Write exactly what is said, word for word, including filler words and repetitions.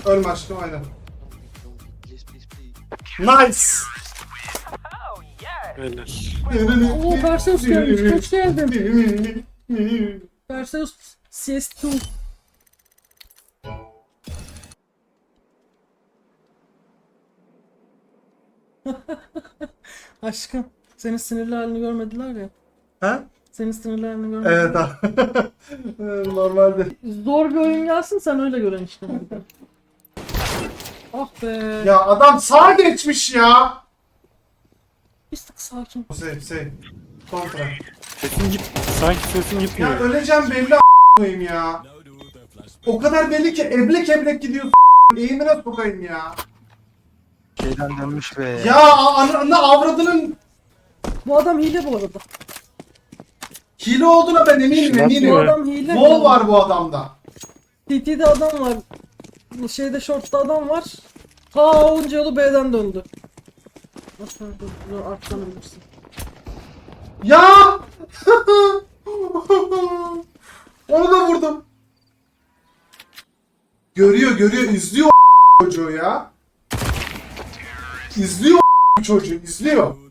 Ölme aşkım aynen. Nice. Helal. Oo Perseus gelmiş. Hoş geldin. Perseus C S iki. Aşkım, senin sinirli halini görmediler ya. Ha? Senin sinirli halini görmediler. Evet abi. Normalde. Zor bir oyun gelsin, sen öyle gören işte. Ah be. Ya adam sağa geçmiş ya. Bir tık sakin. Save save. Kontra. Sesin git. Sanki sesin Ya gitmiyor. öleceğim belli a**ayım ya. O kadar belli ki eblek eblek gidiyorsun. Eğimine sokayım ya. Şeyden dönmüş be. Ya ananı avradının Bu adam hile bu arada. hile olduğuna ben eminim Nasıl Bu eminim. ya? adam hile. Wall var bu adamda. T T'de adam var. Bu şeyde short'ta adam var. Ta onca yolu B'den döndü. Nasıl artlanabilirsin? Ya! Onu da vurdum. Görüyor görüyor izliyor çocuğu ya. İzliyor çocuğu izliyor.